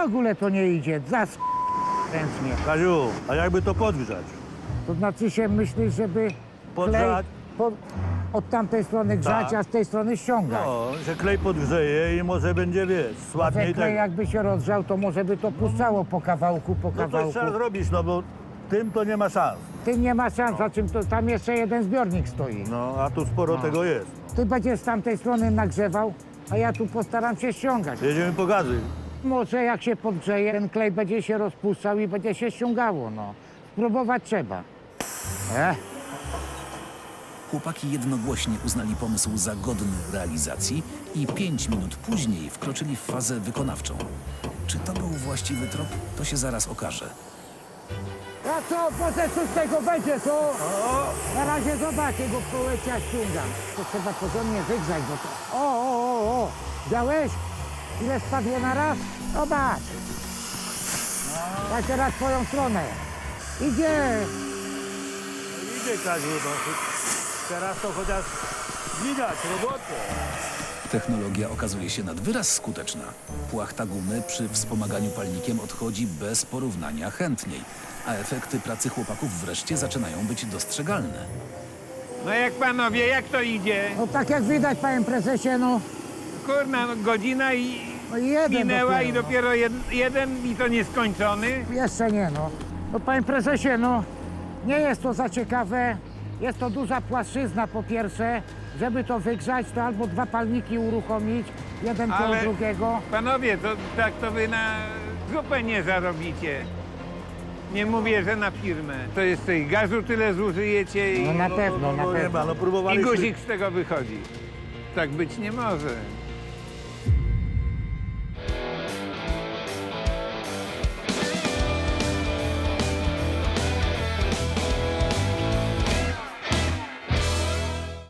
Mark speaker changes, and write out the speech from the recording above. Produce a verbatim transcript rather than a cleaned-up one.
Speaker 1: W ogóle to nie idzie, zas... ręcznie.
Speaker 2: Kaziu, a jakby to podgrzać?
Speaker 1: To znaczy się myśli, żeby
Speaker 2: Podgrzać?
Speaker 1: po, od tamtej strony grzać,
Speaker 2: Tak.
Speaker 1: a z tej strony ściągać.
Speaker 2: No, że klej podgrzeje i może będzie, wiesz,
Speaker 1: Że
Speaker 2: słabniej
Speaker 1: klej
Speaker 2: tak.
Speaker 1: jakby się rozgrzał, to może by to puszczało po kawałku, po
Speaker 2: No to
Speaker 1: kawałku.
Speaker 2: trzeba zrobić, no bo tym to nie ma szans.
Speaker 1: Tym nie ma szans, a czym to tam jeszcze jeden zbiornik stoi.
Speaker 2: No, a tu sporo
Speaker 1: No.
Speaker 2: tego jest.
Speaker 1: Ty będziesz z tamtej strony nagrzewał, a ja tu postaram się ściągać.
Speaker 2: Jedziemy po gazy.
Speaker 1: Może jak się podgrzeje, ten klej będzie się rozpuszczał i będzie się ściągało, no. Spróbować trzeba. E?
Speaker 3: Chłopaki jednogłośnie uznali pomysł za godny realizacji i pięć minut później wkroczyli w fazę wykonawczą. Czy to był właściwy trop, to się zaraz okaże.
Speaker 1: A co, potem co z tego będzie, to na razie zobaczę, bo w kołecia ściągam. To trzeba porządnie wygrzać, bo to... O, o, o, o! Widziałeś? Ile spadło na raz? Zobacz! Ja teraz twoją stronę. Idzie!
Speaker 2: Idzie, Kaziu, no. Teraz to chociaż widać robotę.
Speaker 3: Technologia okazuje się nad wyraz skuteczna. Płachta gumy przy wspomaganiu palnikiem odchodzi bez porównania chętniej, a efekty pracy chłopaków wreszcie zaczynają być dostrzegalne.
Speaker 4: No jak panowie, jak to idzie?
Speaker 1: No tak jak widać, panie prezesie, no...
Speaker 4: Kurna, no godzina i
Speaker 1: No i jeden
Speaker 4: minęła
Speaker 1: dopiero,
Speaker 4: i
Speaker 1: no.
Speaker 4: dopiero jed, jeden i to nieskończony.
Speaker 1: Jeszcze nie, no. No, panie prezesie, no, nie jest to za ciekawe. Jest to duża płaszczyzna, po pierwsze. Żeby to wygrzać, to albo dwa palniki uruchomić, jeden koło
Speaker 4: Ale-
Speaker 1: drugiego.
Speaker 4: Panowie, to tak to wy na zupę nie zarobicie. Nie mówię, że na firmę. To jest tej gazu tyle zużyjecie i,
Speaker 1: No na
Speaker 2: No,
Speaker 1: pewno,
Speaker 2: no,
Speaker 1: na
Speaker 2: no, nie
Speaker 1: pewno.
Speaker 2: ma, no
Speaker 4: i
Speaker 2: próbowaliśmy.
Speaker 4: guzik z tego wychodzi. Tak być nie może.